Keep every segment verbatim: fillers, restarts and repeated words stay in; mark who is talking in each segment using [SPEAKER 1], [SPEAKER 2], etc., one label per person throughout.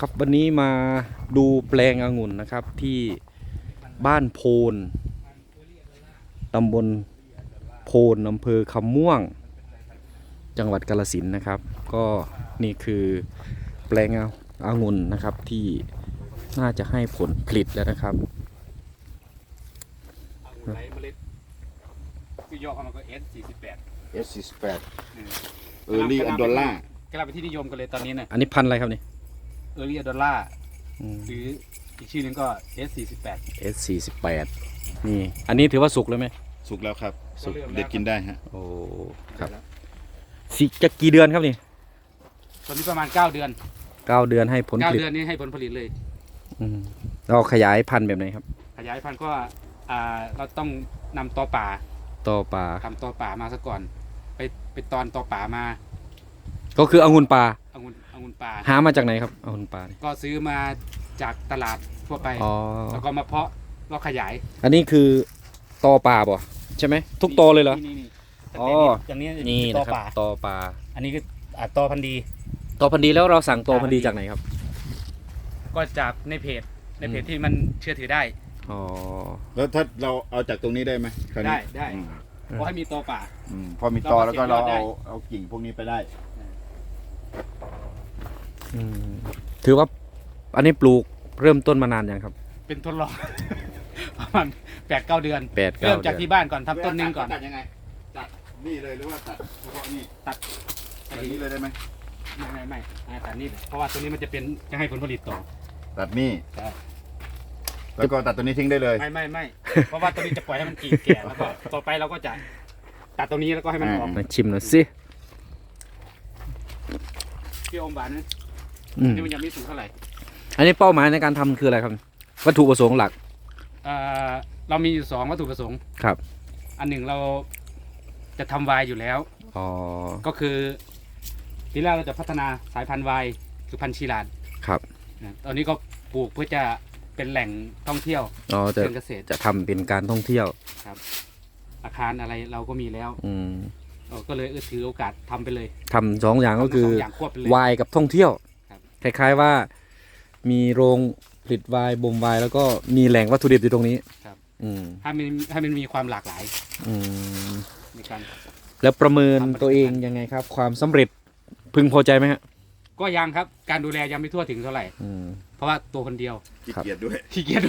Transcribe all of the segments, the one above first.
[SPEAKER 1] ครับวันนี้มาดูแปลงองุ่นนะครับที่บ้านโพนตำบลโพนอำเภอคำม่วงจังหวัดกาฬสินธุ์นะครับก็นี่คือแปลงองุ่นนะครับที่น่าจะให้ผลผลิตแล้วนะครับ
[SPEAKER 2] ไหลเมล็ดคือยอดมันก็ เอส สี่สิบแปด
[SPEAKER 3] เอส สี่สิบแปด เออร์ลี่อันดอลล่าก
[SPEAKER 2] ำลังเป็นที่นิยมกันเลยตอนนี้เนี่ย
[SPEAKER 1] อันนี้พันธุ์อะไรครับนี่
[SPEAKER 2] เออร์ลี่อันดอลล่าหรืออีกชื่อหนึงก็ เอส สี่สิบแปด
[SPEAKER 1] เอส สี่สิบแปดนี่อันนี้ถือว่าสุกเลยไหม
[SPEAKER 3] สุกแล้วครับ
[SPEAKER 2] สุก
[SPEAKER 3] เด็ดกินได้ฮะ
[SPEAKER 1] โอ้ครับสิจะกี่เดือนครับนี่
[SPEAKER 2] ตอนนี้ประมาณเก้าเดือน
[SPEAKER 1] เก้าเดือนให้ผลผ
[SPEAKER 2] เก้า
[SPEAKER 1] ลิต
[SPEAKER 2] เดือนนี้ให้ผลผลิตเลย
[SPEAKER 1] อืมเราขยายพันธุ์แบบไหนครับ
[SPEAKER 2] ขยายพันธุ์ก็อ่าเราต้องนำตอป่า
[SPEAKER 1] ต่อป่า
[SPEAKER 2] ทำตอป่ามาซะก่อน ไปไปตอนตอป่ามา
[SPEAKER 1] ก็คือองุ่นป่า
[SPEAKER 2] องุ่นองุ่นป่า
[SPEAKER 1] หามาจากไหนครับองุ่นป่านี่
[SPEAKER 2] ก็ซื้อมาจากตลาดทั่วไป
[SPEAKER 1] อ๋อ
[SPEAKER 2] แล้วก็มาเพาะก็ขยาย
[SPEAKER 1] อันนี้คือตอป่าบ่ใช่ไหมทุกตอเลยเหรอ
[SPEAKER 2] นี่นี่
[SPEAKER 1] อ๋อ
[SPEAKER 2] อย่างนี้
[SPEAKER 1] นี่
[SPEAKER 2] ตอ
[SPEAKER 1] นะครับ
[SPEAKER 2] ป่า
[SPEAKER 1] ตอป่า
[SPEAKER 2] อันนี้คืออ่าตอพันธุ์ดี
[SPEAKER 1] ตอพันธุ์ดีแล้วเราสั่งตอพันธุ์ดีจากไหนครับ
[SPEAKER 2] ก็จากในเพจในเพจที่มันเชื่อถือได้
[SPEAKER 1] อ๋อ
[SPEAKER 3] แล้วถ้าเราเอาจากตรงนี้ได้ไหมคราวนี้
[SPEAKER 2] ได้ได้
[SPEAKER 3] อืม
[SPEAKER 2] เพราะให้มีตอป่า
[SPEAKER 3] อืมพอมีตอ
[SPEAKER 2] เราก็
[SPEAKER 3] แล้วก็เรา
[SPEAKER 2] เก็บยอดได้
[SPEAKER 3] เอาเอากิ่งพวกนี้ไปได้
[SPEAKER 1] อืมถือว่าอันนี้ปลูกเริ่มต้นมานานยังครับ
[SPEAKER 2] เป็นทดลอง ประมาณแปดเก้าเดือน
[SPEAKER 1] แปดเก้า
[SPEAKER 2] เริ่มจาก
[SPEAKER 1] เดือน
[SPEAKER 2] ที่บ้านก่อนทำต้นหนึงก่อน
[SPEAKER 3] ตัดยังไงตัดนี่เลยหรือว่าตัดเฉพาะนี่
[SPEAKER 2] ตัด
[SPEAKER 3] ตัดนี้เลยได้ไหม
[SPEAKER 2] ไม่ไม่ไม่อ่าตัดนี่เพราะว่าตัวนี้มันจะเป็นจะให้ผลผลิตต่อ
[SPEAKER 3] ตัดนี่
[SPEAKER 2] ใช่
[SPEAKER 3] แล้วก็ตัดตัวนี้ทิ้งได้เลย
[SPEAKER 2] ไม่ไม่ไม่ เพราะว่าตัวนี้จะปล่อยให้มันกิ่งแก่แล้วก็ต่อไปเราก็จะตัดตรงนี้แล้วก็ให้มันออก
[SPEAKER 1] มาชิมหน่อยสิ
[SPEAKER 2] ที่อมหวานนั้น
[SPEAKER 1] อืม
[SPEAKER 2] นี่มันยังไม่สูงเท่าไหร่
[SPEAKER 1] อันนี้เป้าหมายในการทำคืออะไรครับวัตถุประสงค์หลัก
[SPEAKER 2] อ่าเรามีอยู่สองวัตถุประสงค์
[SPEAKER 1] ครับ
[SPEAKER 2] อันหนึ่งเราจะทำไวน์อยู่แล้ว
[SPEAKER 1] อ๋อ
[SPEAKER 2] ก็คือทีแรกเราจะพัฒนาสายพันธุ์ไวน์คือพันธุ์ชีลาด
[SPEAKER 1] ครับ
[SPEAKER 2] นะตอนนี้ก็ปลูกเพื่อจะเป็นแหล่งท่องเที่ยว
[SPEAKER 1] อ๋อจะ
[SPEAKER 2] เชิงเกษตร
[SPEAKER 1] จะทำเป็นการท่องเที่ยว
[SPEAKER 2] อาคารอะไรเราก็มีแล้ว
[SPEAKER 1] อืม
[SPEAKER 2] เออก็เลยเออถือโอกาสทำไปเลย
[SPEAKER 1] ทำสองอย่างก็คือ
[SPEAKER 2] ทำทั้งสงอย่างควบไปเลย
[SPEAKER 1] ไวน์กับท่องเที่ยว
[SPEAKER 2] ครับ
[SPEAKER 1] คล้ายๆว่า มีโรงผลิตไวน์บ่มไวน์แล้วก็มีแหล่งวัตถุดิบอยู่ตรงนี้
[SPEAKER 2] ครับ
[SPEAKER 1] อืม
[SPEAKER 2] ให้มันให้มันมีความหลากหลาย
[SPEAKER 1] อืม
[SPEAKER 2] ในการ
[SPEAKER 1] แล้วประเมิน
[SPEAKER 2] ทำผลิตภัณฑ์
[SPEAKER 1] ตัวเองยังไงครับ ความสำเร็จพึงพอใจไหมฮะ
[SPEAKER 2] ก็ยังครับการดูแลยังไม่ทั่วถึงเท่าไหร่
[SPEAKER 1] อืม
[SPEAKER 2] เพราะว่าตัวคนเดียว
[SPEAKER 3] ขี้เกียจด้วย
[SPEAKER 2] ขี้เกียจ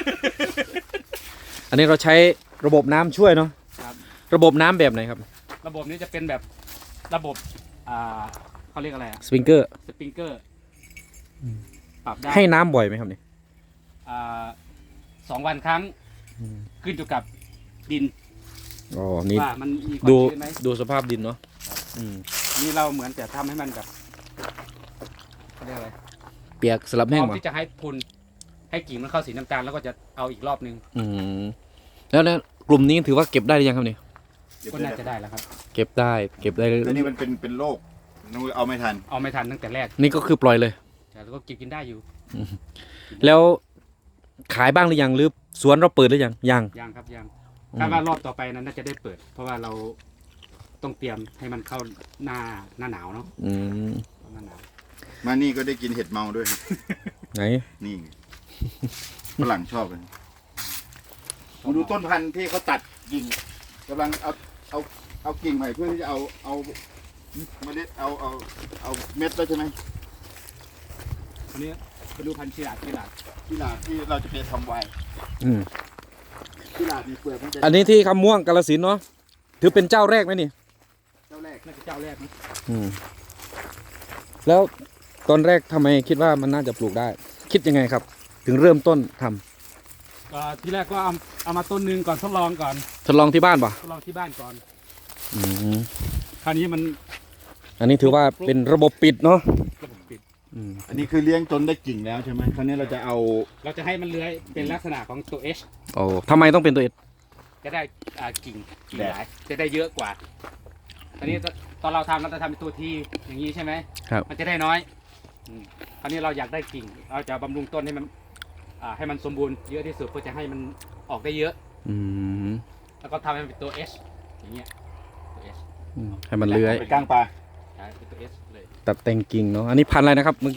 [SPEAKER 1] อันนี้เราใช้ระบบน้ำช่วยเนาะ
[SPEAKER 2] ครับ
[SPEAKER 1] ระบบน้ำแบบไหนครับ
[SPEAKER 2] ระบบนี้จะเป็นแบบระบบอ่าเขาเรียกอะไรอะ
[SPEAKER 1] สปริงเกอร์
[SPEAKER 2] สปริงเกอร์ปรับได้
[SPEAKER 1] ให้น้ำบ่อยไหมครับนี่
[SPEAKER 2] อ่าสองวันครั้ง
[SPEAKER 1] อืม
[SPEAKER 2] ขึ้นอยู่กับดิน
[SPEAKER 1] อ๋อนี่
[SPEAKER 2] ว่ามันมีความ
[SPEAKER 1] ดู
[SPEAKER 2] ชื้นไหม
[SPEAKER 1] ดูสภาพดินเนาะอืม
[SPEAKER 2] นี่เราเหมือนจะทำให้มันแบบเขาเรียกอะไร
[SPEAKER 1] เปียกสลับ
[SPEAKER 2] พ
[SPEAKER 1] แห้ง
[SPEAKER 2] ร้อม
[SPEAKER 1] ป่ะ
[SPEAKER 2] ที่จะให้พุนให้กิ่งมันเข้าสีน้ำตาลแล้วก็จะเอาอีกรอบนึง
[SPEAKER 1] อืมแล้วแล้วกลุ่มนี้ถือว่าเก็บได้หรือยังครับนี่
[SPEAKER 2] ก็น่าจะได้แล้วครับ
[SPEAKER 1] เก็บได้เก็บได้
[SPEAKER 3] แต่นี่มันเป็นเป็นโรคนุ้ยเอาไม่ทัน
[SPEAKER 2] เอาไม่ทันตั้งแต่แรก
[SPEAKER 1] นี่ก็คือปล่อยเลย
[SPEAKER 2] แต่เราก็เก็บกินได้อยู่
[SPEAKER 1] แล้วขายบ้างหรือยังหรือสวนเราเปิดหรือยังยัง
[SPEAKER 2] ยังครับยัง
[SPEAKER 1] อืม
[SPEAKER 2] คาดว่ารอบต่อไปนั้นน่าจะได้เปิด เพราะว่าเราต้องเตรียมให้มันเข้าหน้าหน้าหนาวเนาะ
[SPEAKER 1] อืม
[SPEAKER 2] หน้าหนาว
[SPEAKER 3] มานี่ก็ได้กินเห็ดเมาด้วย
[SPEAKER 1] ไหน
[SPEAKER 3] นี่ฝรั่งชอบเลยมาดูต้นพันธุ์ที่เขาตัดกิ่งกำลังเอาเอาเอากิ่งใหม่เพื่อที่จะเอาเอาเมล็ดเอาเอาเอาเม็ดแล้วใช่ไหม
[SPEAKER 2] อันนี้ไปดูพันธุ์ชีลาดชีลาด
[SPEAKER 3] ที่ลาดที่เราจะไปทำไวน์
[SPEAKER 1] อืม
[SPEAKER 3] ที่ลาดมีเปลือกมันจะ
[SPEAKER 1] อันนี้ที่คำม่วงกาฬสินธุ์เนาะถือเป็นเจ้าแรกไหมนี่
[SPEAKER 3] เจ้าแรก
[SPEAKER 2] น่าจะเจ้าแรกนะ
[SPEAKER 1] อืมแล้วตอนแรกทำไมคิดว่ามันน่าจะปลูกได้ คิดยังไงครับ ถึงเริ่มต้นทำ
[SPEAKER 2] ก็ที่แรกก็เอาเอามาต้นหนึงก่อนทดลองก่อน
[SPEAKER 1] ทดลองที่บ้านป่ะ
[SPEAKER 2] ทดลองที่บ้านก่อน
[SPEAKER 1] อืม
[SPEAKER 2] คราวนี้มัน
[SPEAKER 1] อันนี้ถือว่าเป็นระบบปิดเนาะ
[SPEAKER 2] ระบบปิด
[SPEAKER 1] อืม
[SPEAKER 3] อันนี้คือเลี้ยงจนได้กิ่งแล้วใช่ไหมคราวนี้เราจะเอา
[SPEAKER 2] เราจะให้มันเลื้อยเป็นลักษณะของตัว H
[SPEAKER 1] โอ้ทำไมต้องเป็นตัวเอ็ด
[SPEAKER 2] จะได้อ่ากิ่งกิ่งหลายจะได้เยอะกว่าตอนนี้ตอนเราทำเราจะทำเป็นตัวทีอย่างนี้ใช่ไหม
[SPEAKER 1] ครับ
[SPEAKER 2] มันจะได้น้อยอืมคราวนี้เราอยากได้กิ่ง เราจะบำรุงต้นให้มันอ่าให้มันสมบูรณ์เยอะที่สุดเพื่อจะให้มันออกได้เยอะ
[SPEAKER 1] อืม
[SPEAKER 2] แล้วก็ทำให้มันเป็นตัว H อย่างเงี้ยตัว H
[SPEAKER 1] อืมให้มันเลื้อย
[SPEAKER 3] ไปก้างปลา
[SPEAKER 2] ใช่เป็นตัว H เลย
[SPEAKER 1] ตัดแต่งกิ่งเนาะอันนี้พันธุ์อะไรนะครับเมื่อกี้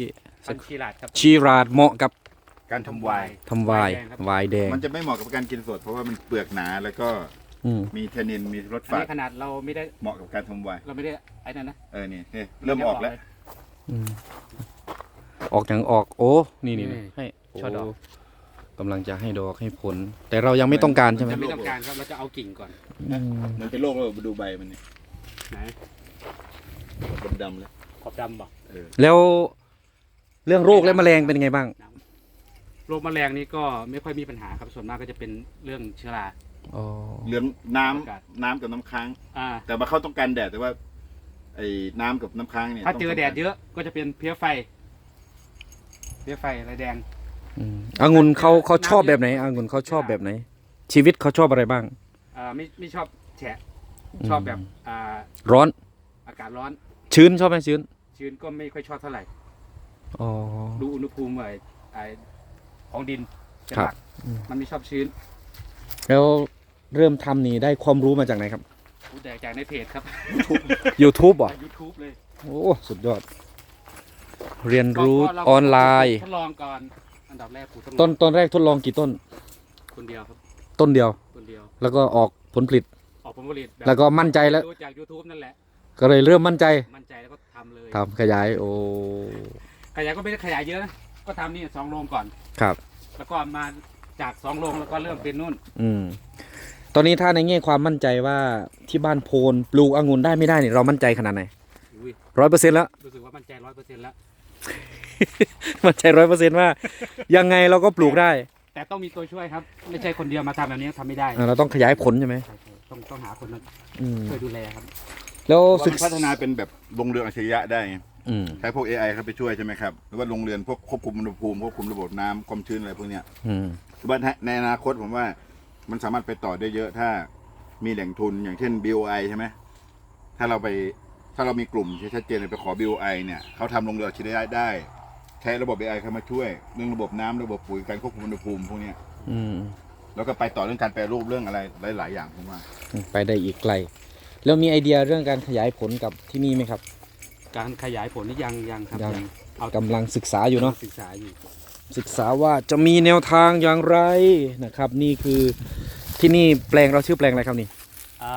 [SPEAKER 2] พันธุ์ชีราดครับ
[SPEAKER 1] ชีราดเหมาะกับ
[SPEAKER 3] การทำไวน์
[SPEAKER 1] ทำไวน์
[SPEAKER 2] แดงครับ
[SPEAKER 1] ไวน์แดง
[SPEAKER 3] มันจะไม่เหมาะกับการกินสด เพราะว่ามันเปลือกหนาแล้วก็
[SPEAKER 1] อืม
[SPEAKER 3] มีเทนนินมีรส
[SPEAKER 2] อัน
[SPEAKER 3] ฝาด
[SPEAKER 2] นี้ขนาดเราไม่ได้
[SPEAKER 3] เหมาะกับการทำไวน์
[SPEAKER 2] เราไม่ได้ไอ้นั่นนะ
[SPEAKER 3] เออนี่เฮ้ยเริ่มออกแล้ว
[SPEAKER 1] อืมออกอย่างออก โอ้ นี่นี่นี่ให้
[SPEAKER 2] ช่อดอก
[SPEAKER 1] โกำลังจะให้ดอกให้ผล แต่เรายังไม่ต้องการใช่ไหม
[SPEAKER 2] จะไม่ต้องการครับเราจะเอากิ่งก่อน
[SPEAKER 1] อืม
[SPEAKER 3] มันเป็นโรคแล้วดูใบมันนี่
[SPEAKER 2] ไหน
[SPEAKER 3] ดำๆแล้ว
[SPEAKER 2] ขอบดำบ่
[SPEAKER 3] เออ
[SPEAKER 1] แล้วเรื่องโรคและแมลงเป็นยังไงบ้าง
[SPEAKER 2] โรคแมลงนี่ก็ไม่ค่อยมีปัญหาครับส่วนมากก็จะเป็นเรื่องเชื้อรา
[SPEAKER 1] อ๋อ
[SPEAKER 3] เหลืองน้ำ
[SPEAKER 2] อากาศ
[SPEAKER 3] น้ำกับน้ำค้าง
[SPEAKER 2] อ่า
[SPEAKER 3] แต่ว่าเขาต้องการแดดแต่ว่าไอ้น้ำกับน้ำค้างเนี่ย
[SPEAKER 2] ถ้าเจอ
[SPEAKER 3] ต้ง
[SPEAKER 2] แดดเยอะก็จะเป็นเพี้ยไฟเพี้ยไฟอะไรแดง
[SPEAKER 1] อืมองุ่นเขาเขาชอบแบบไหนองุ่นเขาชอบแบบไหน ชีวิตเขาชอบอะไรบ้าง
[SPEAKER 2] อ่าไม่ไม่ชอบแฉะชอบแบบอ่า
[SPEAKER 1] ร้อน
[SPEAKER 2] อากาศร้อน
[SPEAKER 1] ชื้นชอบไหมชื้น
[SPEAKER 2] ชื้นก็ไม่ค่อยชอบเท่าไหร่
[SPEAKER 1] อ๋อ
[SPEAKER 2] ดูอุณหภูมิไอ้ไอ้ของดินเป็น
[SPEAKER 1] ครับ
[SPEAKER 2] หลัก
[SPEAKER 1] อืม
[SPEAKER 2] มันไม่ชอบชื้น
[SPEAKER 1] แล้วเริ่มทำนี่ได้ความรู้มาจากไหนครับ
[SPEAKER 2] รู้แต่จากในเพจครับ
[SPEAKER 1] YouTube เหรอ
[SPEAKER 2] ยูทูบเลย
[SPEAKER 1] โอ้ สุดยอด เรียนรู้
[SPEAKER 2] ก็เา
[SPEAKER 1] ออนไลน์
[SPEAKER 2] ทดลองก่อนอันดับแรกปลูกทดลอง
[SPEAKER 1] ต้นต้นแรกทดลองกี่ต้น
[SPEAKER 2] คนเดียวครับ
[SPEAKER 1] ต้นเดียว
[SPEAKER 2] คนเดียว
[SPEAKER 1] แล้วก็ออกผลผลิต
[SPEAKER 2] ออกผลผลิตบบ
[SPEAKER 1] แล้วก็มั่นใจแล้ว
[SPEAKER 2] ดูจาก YouTube นั่นแหละ
[SPEAKER 1] ก็เลยเริ่มมั่นใจ
[SPEAKER 2] มั่นใจแล้วก็ทำเลย
[SPEAKER 1] ทำขยาย โอ้
[SPEAKER 2] ขยายก็ไม่ได้ขยายเยอะนะก็ทำนี่สองโรงก่อน
[SPEAKER 1] ครับ
[SPEAKER 2] แล้วก็มาจากสองโรงแล้วก็เริ่มเป็นนู่น
[SPEAKER 1] อืม ตอนนี้ถ้าในแง่ความมั่นใจว่าที่บ้านโพนปลูกองุ่นได้ไม่ได้เนี่ยเรามั่นใจขนาดไหน
[SPEAKER 2] อุ้ย
[SPEAKER 1] ร้อยเปอร์เซ็นต์แล้ว
[SPEAKER 2] รู้สึกว่ามั่นใจร้อยเปอร์เซ็นต์แล้ว
[SPEAKER 1] มั่นใจร้อยเปอร์เซ็นต์ว่า ยังไงเราก็ปลูกได้
[SPEAKER 2] แต่ต้องมีตัวช่วยครับ ไม่ใช่คนเดียวมาทำแบบนี้ทำไม่ได้
[SPEAKER 1] อ่าเราต้องขยายผลใช่ไหม
[SPEAKER 2] ใช่ๆต้องต้องหาคนมา
[SPEAKER 1] อืม
[SPEAKER 2] ช่วยดูแลครับ
[SPEAKER 1] แล้ว
[SPEAKER 3] ว่า
[SPEAKER 1] ศึก
[SPEAKER 3] มันพัฒนาเป็นแบบโรงเรือนอัจฉริยะได้ไง
[SPEAKER 1] อืม
[SPEAKER 3] ใช้พวก เอ ไอ เข้าไปช่วยใช่ไหมครับหรือว่าโรงเรือนพวกควบคุมอุณหภูมิควบคุมระบบน้ำความชื้นอะไรพวกเนี้ย
[SPEAKER 1] อืม
[SPEAKER 3] คือว่าในอนาคตผมว่ามันสามารถไปต่อได้เยอะถ้ามีแหล่งทุนอย่างเช่น บี โอ ไอ ใช่ไหมถ้าเราไปถ้าเรามีกลุ่มที่ชัดเจนไปขอ บี โอ ไอ เนี่ยเขาทำโรงเรือนอัจฉริยะได้ ใช้ระบบ เอ ไอ เข้ามาช่วยเรื่องระบบน้ำระบบปุ๋ยการควบคุมอุณหภูมิพวกเนี้ย
[SPEAKER 1] อืม
[SPEAKER 3] แล้วก็ไปต่อเรื่องการแปรรูปเรื่องอะไรหลายๆอย่างผมว่า
[SPEAKER 1] ไปได้อีกไกล แล้วมีไอเดียเรื่องการขยายผลกับที่นี่ไหมครับ
[SPEAKER 2] การขยายผลนี่ยังยังครับ
[SPEAKER 1] ยัง
[SPEAKER 2] เอา
[SPEAKER 1] กำลังศึกษาอยู่เนาะ
[SPEAKER 2] ศึกษาอยู่
[SPEAKER 1] ศึกษาว่าจะมีแนวทางอย่างไรนะครับ นี่คือที่นี่แปลงเราชื่อแปลงอะไรครับนี่
[SPEAKER 2] อ่า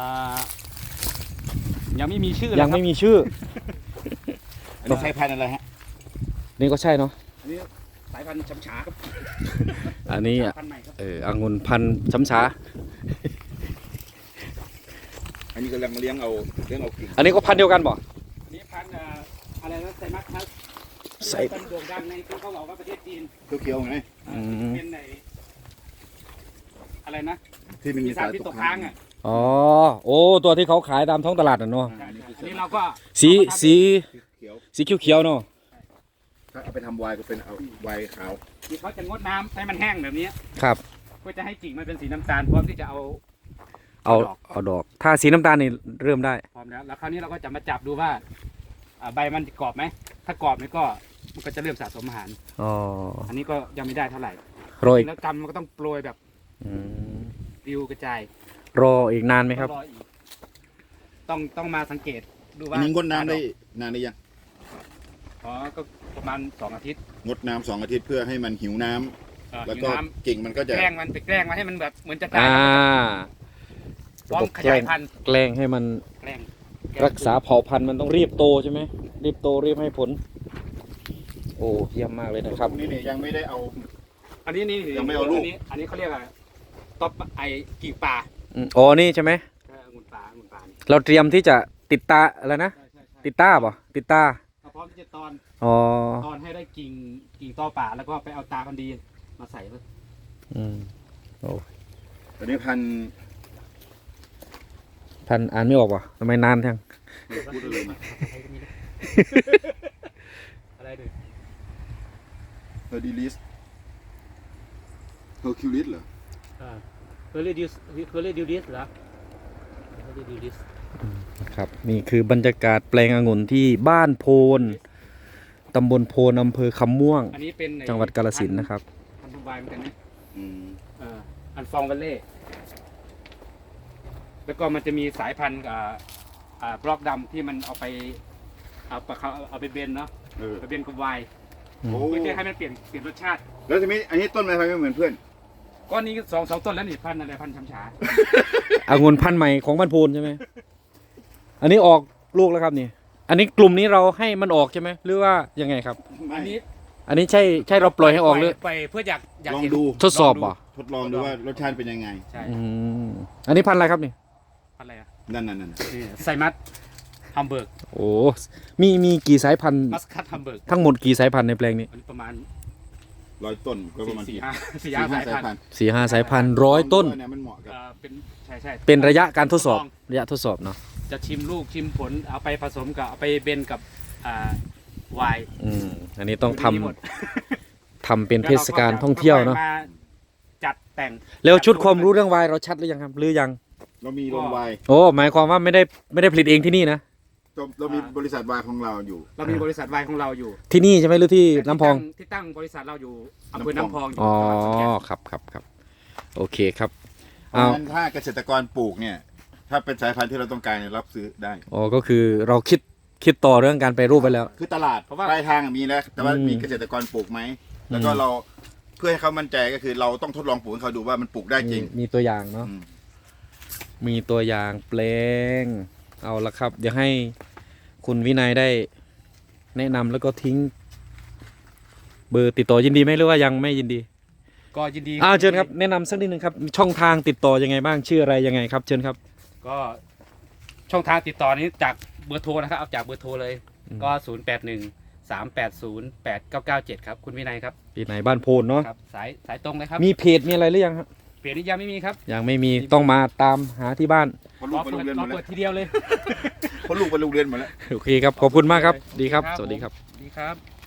[SPEAKER 2] ยังไม่มีชื่อ
[SPEAKER 1] ยัง
[SPEAKER 2] เล
[SPEAKER 1] ไม่
[SPEAKER 2] ครับ
[SPEAKER 1] มีชื่อ
[SPEAKER 3] อันนี้ใช้พันธุ์อะไรฮะ
[SPEAKER 1] นี่ก็ใช่เนาะ
[SPEAKER 2] อันนี้สายพันธุ์ช้ำฉาครับ
[SPEAKER 1] อันนี้อ่ะ
[SPEAKER 2] พันธุ์ใหม่ครับ
[SPEAKER 1] เออองุ่นพันธุ์ช้ำช้า
[SPEAKER 3] อันนี้กำลังเลี้ยงเอาเลี้ยงเอากิ่ง
[SPEAKER 1] อันนี้ก็พันธุ์เดียวกันบ่
[SPEAKER 2] อันนี้พันธุ์อ่าอะไรนะไซมัสครับ
[SPEAKER 1] ไซ
[SPEAKER 2] เป็นโด่งดังในที่เขาบอกว่าประเทศจีน
[SPEAKER 3] เขียวๆไง
[SPEAKER 2] อ่า
[SPEAKER 1] อืม
[SPEAKER 2] เป็นในอะไรนะ
[SPEAKER 3] ที่มันมี
[SPEAKER 2] มีสารพิษตกค้างอ่ะ
[SPEAKER 1] อ๋อโอ้ตัวที่เขาขายตามท้องตลาดน่ะเนาะ
[SPEAKER 2] ใช่ๆอันนี้เราก็
[SPEAKER 1] สีสี
[SPEAKER 3] เขียว
[SPEAKER 1] สีเขียวๆเนาะ
[SPEAKER 3] ถ้าเอาไปทำไวน์ก็เป็นเอาไวน์ขาว
[SPEAKER 2] ที่เขาจะงดน้ำให้มันแห้งแบบนี้
[SPEAKER 1] ครับ
[SPEAKER 2] ก็จะให้กิ่งมันเป็นสีน้ำตาลพร้อมที่จะเอา
[SPEAKER 1] เอา
[SPEAKER 2] ดอก
[SPEAKER 1] เอาดอก ถ้าสีน้ำตาลนี่เริ่มได้
[SPEAKER 2] พร้อมแล้วแล้วคราวนี้เราก็จะมาจับดูว่าอ่าใบมันกรอบไหมถ้ากรอบนี่ก็มันก็จะเริ่มสะสมอาหาร
[SPEAKER 1] อ๋อ
[SPEAKER 2] อันนี้ก็ยังไม่ได้เท่าไหร่
[SPEAKER 1] รออีก
[SPEAKER 2] แล้วกำมันก็ต้องโปรยแบบ
[SPEAKER 1] อืม
[SPEAKER 2] ปลิวกระจาย
[SPEAKER 1] รออีกนานไหมครับ
[SPEAKER 2] ต้องออีกต้องต้องมาสังเกตดู
[SPEAKER 3] อั
[SPEAKER 2] ว่าน
[SPEAKER 3] นี้งดน้ำได้นานหรือยัง
[SPEAKER 2] อ๋อก็ประมาณสองอาทิตย์
[SPEAKER 3] งดน้ำสองอาทิตย์เพื่อให้มันหิวน้ำ
[SPEAKER 2] เอ่อ
[SPEAKER 3] แล้ว
[SPEAKER 2] หิว
[SPEAKER 3] ก็
[SPEAKER 2] น้
[SPEAKER 3] กิ่งมันก็
[SPEAKER 2] ำ
[SPEAKER 3] จะ
[SPEAKER 2] แกล้งมันไปแกล้งมันให้มันแบบเหมือนจะตาย
[SPEAKER 1] อ่า
[SPEAKER 2] พร้อมขยายพันธุ์
[SPEAKER 1] แกล้งให้มัน
[SPEAKER 2] แกล้ง
[SPEAKER 1] รักษาเผ่าพันธุ์มันต้องรีบโตใช่ไหมรีบโตรีบให้ผล โอ้เยี่ยมมากเลยนะครับ
[SPEAKER 3] นี่เนี่ยยังไม่ได้เอา
[SPEAKER 2] อันนี้นี่
[SPEAKER 3] ยังไม่เอาลูก
[SPEAKER 2] นนี้อันนี้เขาเรียกอะไรต๊อปไอกิ่งป่า
[SPEAKER 1] อืมอ๋อนี่ใช่ไหม
[SPEAKER 2] เออองุ่นป่าองุ่นป่านี่
[SPEAKER 1] เราเตรียมที่จะติดตาอะไรนะ
[SPEAKER 2] ใช่ใช่ใช่
[SPEAKER 1] ติดตาป่ะติดตา
[SPEAKER 2] เราพร้อมที่จะตอน
[SPEAKER 1] อ๋อ
[SPEAKER 2] ตอนให้ได้กิ่งกิ่งตอป่าแล้วก็ไปเอาตาพันธุ์ดีมาใส่เลย
[SPEAKER 1] อืมโอ้
[SPEAKER 3] อันนี้พันธุ์
[SPEAKER 1] ท่านอ่านไม่ออกว่ะทำไมนานจัง
[SPEAKER 3] พูดเลยนะ
[SPEAKER 2] อะไรดู
[SPEAKER 3] เฮอร์ดิลิสเฮอร์คิวลิสเหรอ
[SPEAKER 2] อ่าเคยเรียดิวเคยเรียดิวดิสเหรอเคยเรียดิวดิส
[SPEAKER 1] ครับ นี่คือบรรยากาศแปลงองุ่นที่บ้านโพนตำบลโพนอำเภอคำม่วง
[SPEAKER 2] อันนี้เป็น
[SPEAKER 1] จังหวัดกาฬสินธุ์นะครับ
[SPEAKER 2] พันธุ์ดูไบเหมือนกันนะ
[SPEAKER 3] อืม
[SPEAKER 2] เอ่ออันฟองวัลเล่แล้วก็มันจะมีสายพันธุ์อ่าอ่าบล็อกดำที่มันเอาไปเอาไปเขาเอาไปเบนเนาะ
[SPEAKER 3] เออ
[SPEAKER 2] ไปเบนกับไวน์
[SPEAKER 1] อืม
[SPEAKER 3] โอ้
[SPEAKER 2] เพื่อจะให้มันเปลี่ยนเปลี่ยนรสชาติ
[SPEAKER 3] แล้วทีนี้อันนี้ต้นอะไรไม่เหมือนเพื่อน
[SPEAKER 2] ก้อนนี้สองสองต้นแล้วนี่พันธุ์อะไรพันธุ์ช้ำฉา
[SPEAKER 1] องุ่นพันธุ์ใหม่ของบ้านโพนใช่ไหมอันนี้ออกลูกแล้วครับนี่ อันนี้กลุ่มนี้เราให้มันออกใช่ไหมหรือว่ายังไงครับ
[SPEAKER 3] ไม่
[SPEAKER 2] อันนี้
[SPEAKER 1] อันนี้ใช่ใช่เราปล่อยให้ออกหรือ
[SPEAKER 2] ไปเพื่ออยากอยาก
[SPEAKER 3] ลอง
[SPEAKER 2] เห็น
[SPEAKER 3] ดู
[SPEAKER 1] ทดสอบเหรอ
[SPEAKER 3] ทดลองดูว่ารสชาติเป็นยังไง
[SPEAKER 2] ใช่
[SPEAKER 1] อืมอันนี้พันธุ์อะไรครับนี่
[SPEAKER 2] พันธุ์อะไรอ่ะ
[SPEAKER 3] นั่นนั่นนั่น
[SPEAKER 2] นี่ไซมัสฮัมเบิร์ก
[SPEAKER 1] โอ้มีมีกี่สายพันธุ์
[SPEAKER 2] มัสคัตฮัมเบิร์ก
[SPEAKER 1] ทั้งหมดกี่สายพันธุ์ในแปลงนี้
[SPEAKER 2] อันนี้ประมาณ
[SPEAKER 3] ร้อยต้นก็ประมาณ
[SPEAKER 2] สี่
[SPEAKER 3] กี่
[SPEAKER 2] ห้าสี่
[SPEAKER 3] สี่
[SPEAKER 2] ห้า
[SPEAKER 3] ห้า
[SPEAKER 2] สาย
[SPEAKER 3] สาย
[SPEAKER 2] พั
[SPEAKER 3] พั
[SPEAKER 2] น
[SPEAKER 3] น
[SPEAKER 2] ธุ์
[SPEAKER 3] ธุ์
[SPEAKER 1] สี่ห้าสายพันธุ์ร้อยต้น
[SPEAKER 3] เนี่ยมันเหมาะกับ
[SPEAKER 2] เอ่อเป็นใช่ใช่
[SPEAKER 1] เป็นระยะการทดสอบระยะทดสอบเนาะ
[SPEAKER 2] จะชิมลูกชิมผลเอาไปผสมกับเอาไปเบนกับอ่าไวน์
[SPEAKER 1] อืมอันนี้ต้องทำ
[SPEAKER 2] ยู่ในนี้หมด
[SPEAKER 1] ทำเป็นเทศกาลท่องเที่ยวเนาะ
[SPEAKER 2] ค่อมาจัดแต่ง
[SPEAKER 1] แล้วชุดความรู้เรื่องวายเราชัดหรือยังครับหรือยัง
[SPEAKER 3] เรามีโรงไวน์
[SPEAKER 1] โอ้หมายความว่าไม่ได้ไม่ได้ผลิตเองที่นี่นะ
[SPEAKER 3] เรามีบริษัทไวน์ของเราอยู่
[SPEAKER 2] เรามีบริษัทไวน์ของเราอยู่
[SPEAKER 1] ที่นี่ใช่ไหมหรือที่น้ำพอง
[SPEAKER 2] ที่ตั้งบริษัทเราอยู่อำเภอน้ำพองอยู่
[SPEAKER 1] อ๋อ
[SPEAKER 2] จังหวัดขอนแก่น
[SPEAKER 1] ครับครับครับโอเคครับ
[SPEAKER 3] เพราะฉะนั้นถ้าเกษตรกรปลูกเนี่ย ถ้าเป็นสายพันธุ์ที่เราต้องการเนี่ยรับซื้อได้
[SPEAKER 1] อ๋อก็คือเราคิดคิดต่อเรื่องการไปรูปไปแล้ว
[SPEAKER 3] คือตลาดปลายทางอะมีแล้ว แต่ว่า
[SPEAKER 1] อืม
[SPEAKER 3] มีเกษตรกรปลูกไหม แล้วก็
[SPEAKER 1] อืม
[SPEAKER 3] เราเพื่อให้เขามั่นใจก็คือเราต้องทดลองปลูกให้เขาดูว่ามันปลูกได้จริง
[SPEAKER 1] มีมีตัวอย่างเนาะ
[SPEAKER 3] อืม
[SPEAKER 1] มีตัวอย่างแปลงเอาละครับ เดี๋ยวให้คุณวินัยได้แนะนำแล้วก็ทิ้ง เบอร์ติดต่อยินดีไหมหรือว่ายังไม่ยินดี
[SPEAKER 2] ก็ยินดี
[SPEAKER 1] อ้าวเชิญครับแนะนำสักนิดนึงครับ ช่องทางติดต่อยังไงบ้างชื่ออะไรยังไงครับเชิญครับ
[SPEAKER 2] ก็ช่องทางติดต่อนี้จากเบอร์โทรนะครับเอาจากเบอร์โทรเลย
[SPEAKER 1] อืม
[SPEAKER 2] ก็ศูนย์แปดหนึ่งสามแปดศูนย์แปดเก้าเก้าเจ็ดครับคุณวินัยครับ
[SPEAKER 1] ปีไหนบ้านโพนเนาะ
[SPEAKER 2] ครับสายสายตรงเลยครับ
[SPEAKER 1] มีเพจมีอะไรหรือยังครับ
[SPEAKER 2] เปลี่ยนนี้ยังไม่มีครับ
[SPEAKER 1] ยังไม่มีต้องมาตามหาที่บ้าน
[SPEAKER 3] เพราะ
[SPEAKER 2] ร
[SPEAKER 3] ลู
[SPEAKER 2] อก
[SPEAKER 3] ไปโร
[SPEAKER 2] เปิ
[SPEAKER 3] ง
[SPEAKER 2] ด
[SPEAKER 3] เรียนห
[SPEAKER 2] ร
[SPEAKER 3] ม
[SPEAKER 2] อ
[SPEAKER 3] ดแล้ว
[SPEAKER 2] เปิดทีเดียวเลย
[SPEAKER 3] เพราะลูกไปโรงเรียนหมดแล้ว
[SPEAKER 1] โอเคครับขอบคุณมากครับดีครับ สวัสดีครับ
[SPEAKER 2] ดีครับ